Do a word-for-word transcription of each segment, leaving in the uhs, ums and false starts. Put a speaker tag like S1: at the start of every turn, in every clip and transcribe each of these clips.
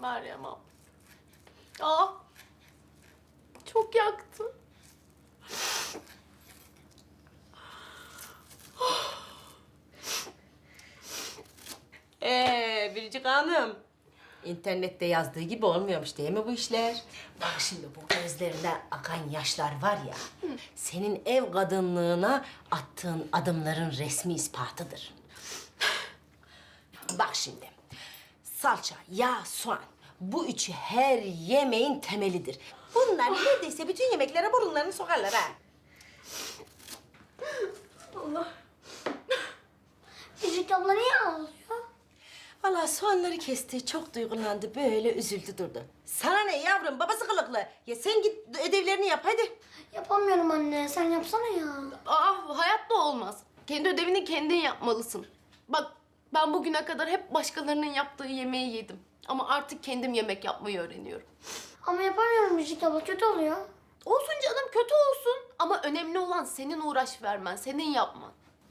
S1: Meryem abla. Aa, çok yaktı.
S2: Ee, Biricik Hanım. İnternette yazdığı gibi olmuyormuş değil mi bu işler? Bak şimdi bu gözlerinden akan yaşlar var ya... ...senin ev kadınlığına attığın adımların resmi ispatıdır. Bak şimdi. Salça, yağ, soğan. Bu üçü her yemeğin temelidir. Bunlar neredeyse bütün yemeklere burunlarını sokarlar ha.
S1: Allah.
S3: Biricik abla niye ağlıyor?
S2: Vallahi soğanları kesti, çok duygulandı, böyle üzüldü durdu. Sana ne yavrum, babası kılıklı. Ya sen git ödevlerini yap hadi.
S3: Yapamıyorum anne. Sen yapsana ya.
S1: Aa, hayatta olmaz. Kendi ödevini kendin yapmalısın. Bak, ben bugüne kadar hep başkalarının yaptığı yemeği yedim. Ama artık kendim yemek yapmayı öğreniyorum.
S3: Ama yapamıyorum Biricik abla. Kötü oluyor.
S1: Olsun canım, kötü olsun. Ama önemli olan senin uğraş vermen, senin yapman.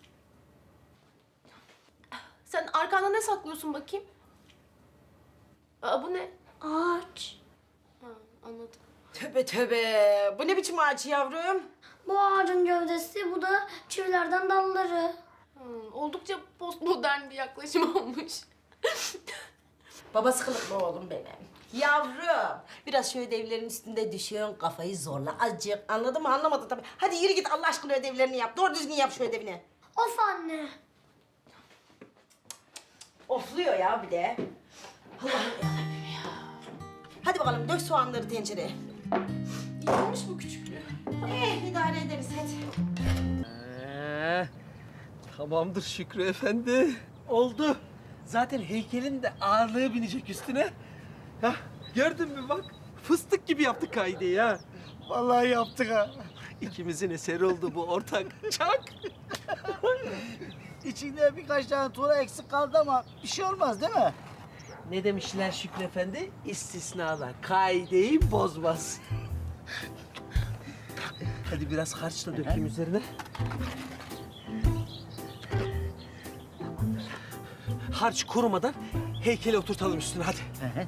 S1: Sen arkanda ne saklıyorsun bakayım? Aa, bu ne?
S3: Ağaç.
S1: Ha, anladım.
S2: Tövbe tövbe, bu ne biçim ağaç yavrum?
S3: Bu ağacın gövdesi, bu da çivilerden dalları.
S1: Hmm, oldukça postmodern bir yaklaşım olmuş.
S2: Babası kılıklı oğlum benim. Yavrum, biraz şu ödevlerin üstünde düşüyorsun, kafayı zorla azıcık. Anladın mı? Anlamadın tabii. Hadi yürü git Allah aşkına ödevlerini yap. Doğru düzgün yap şu ödevini.
S3: Of anne.
S2: Ofluyor ya bir de. Allah'ım yarabbim ya. Hadi bakalım dök soğanları tencereye.
S1: İyi olmuş bu küçüklüğü.
S2: Eh idare ederiz hadi.
S4: Ee, tamamdır Şükrü Efendi. Oldu. Zaten heykelin de ağırlığı binecek üstüne. Ya gördün mü bak, fıstık gibi yaptık kaideyi ha.
S5: Vallahi yaptık ha.
S4: İkimizin eseri oldu bu ortak. Çak.
S5: İçinde birkaç tane tuğla eksik kaldı ama bir şey olmaz değil mi?
S4: Ne demişler Şükrü Efendi? İstisnalar kaideyi bozmaz. Hadi biraz harçla dökeyim üzerine. Harç kurumadan heykeli oturtalım üstüne hadi.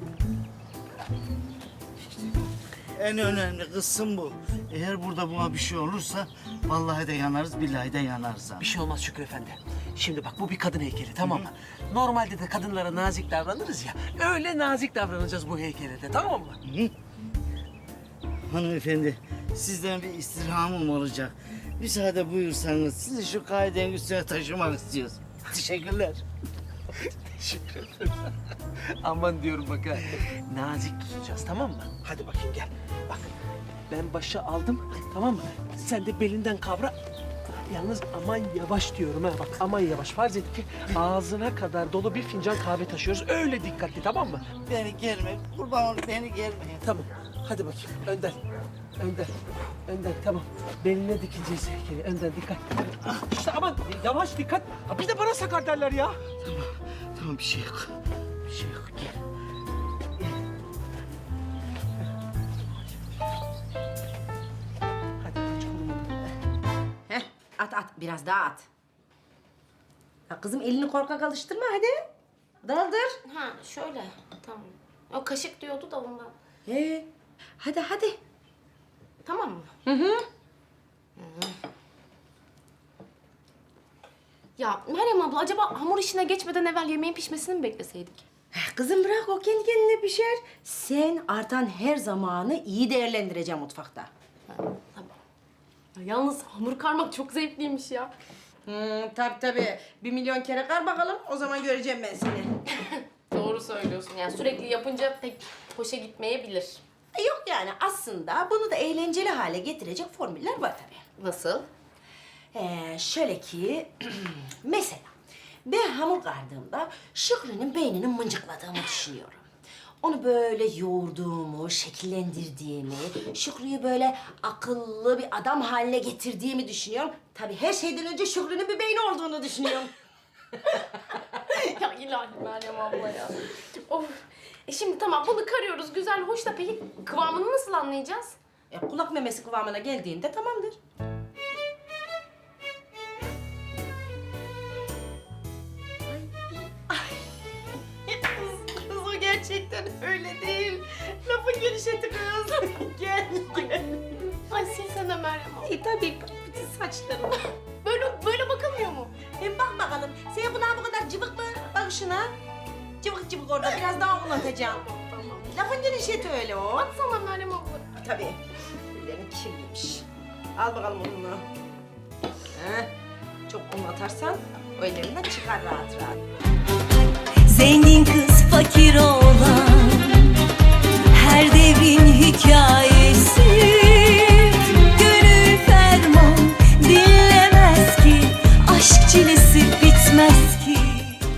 S5: En önemli kısım bu. Eğer burada buna bir şey olursa vallahi de yanarız, billahi de yanarız ha.
S4: Bir şey olmaz Şükrü Efendi. Şimdi bak bu bir kadın heykeli tamam mı? Normalde de kadınlara nazik davranırız ya. Öyle nazik davranacağız bu heykele de tamam mı?
S5: Hanımefendi, sizden bir istirhamım olacak. Müsaade buyursanız sizi şu kaidenin üstüne taşımak istiyoruz. Teşekkürler.
S4: Teşekkür ederim. Aman diyorum bak ha. Nazik tutacağız tamam mı? Hadi bakayım gel. Bak ben başı aldım tamam mı? Sen de belinden kavra. Yalnız aman yavaş diyorum ha bak aman yavaş. Farz et ki ağzına kadar dolu bir fincan kahve taşıyoruz. Öyle dikkatli tamam mı?
S5: Beni germe, kurban ol beni germeyin.
S4: Tamam. Hadi bakayım önden. Önden. Önden tamam. Beline dikeceğiz heykeli. Önden dikkat. İşte aman yavaş dikkat. Ha, bir de bana sakar derler ya.
S5: Tamam bir şey yok. Bir şey yok gel.
S4: Hadi hiç kurumadı.
S2: Heh, at at biraz daha at. Ya kızım elini korkak alıştırma hadi. Daldır.
S1: Ha, şöyle. Tamam. O kaşık diyordu da ondan.
S2: He. Hadi hadi.
S1: Tamam mı?
S2: Hı hı.
S1: Ya Meryem abla, acaba hamur işine geçmeden evvel yemeğin pişmesini mi bekleseydik?
S2: Eh, Kızım bırak o kendi kendine pişer. Sen artan her zamanı iyi değerlendireceksin mutfakta.
S1: Tamam. Ya yalnız hamur karmak çok zevkliymiş ya.
S2: Hmm, tabii tabii. Bir milyon kere kar bakalım. O zaman göreceğim ben seni.
S1: Doğru söylüyorsun. Yani sürekli yapınca pek hoşa gitmeyebilir.
S2: E, Yok yani aslında bunu da eğlenceli hale getirecek formüller var tabii.
S1: Nasıl?
S2: Ee, şöyle ki mesela ben hamur kardığımda Şükrü'nün beynini mıncıkladığımı düşünüyorum. Onu böyle yoğurduğumu, şekillendirdiğimi, Şükrü'yü böyle akıllı bir adam haline getirdiğimi düşünüyorum. Tabii her şeyden önce Şükrü'nün bir beyni olduğunu düşünüyorum.
S1: Ya ilahi Meryem abla ya. Of. E şimdi tamam bunu karıyoruz güzel hoş da peki kıvamını nasıl anlayacağız?
S2: E, kulak memesi kıvamına geldiğinde tamamdır.
S1: Kız o gerçekten
S2: gerçekten öyle değil. Lafın gelişeti kız. Gel.
S1: Ay silsene Meryem abla.
S2: E tabii bak bütün saçlarım.
S1: Böyle, böyle bakılmıyor mu?
S2: Hem bak bakalım. Senin bunlar bu kadar cıvık mı? Bak şuna. Cıvık cıvık orada. Biraz daha uzatacağım.
S1: Tamam.
S2: Lafın gelişeti öyle o.
S1: Atsana Meryem abla.
S2: Tabii. Ellerim kirliymiş. Al bakalım onu. Heh. Çok un atarsan o ellerinden çıkar rahat rahat.
S6: Zengin kız fakir oğlan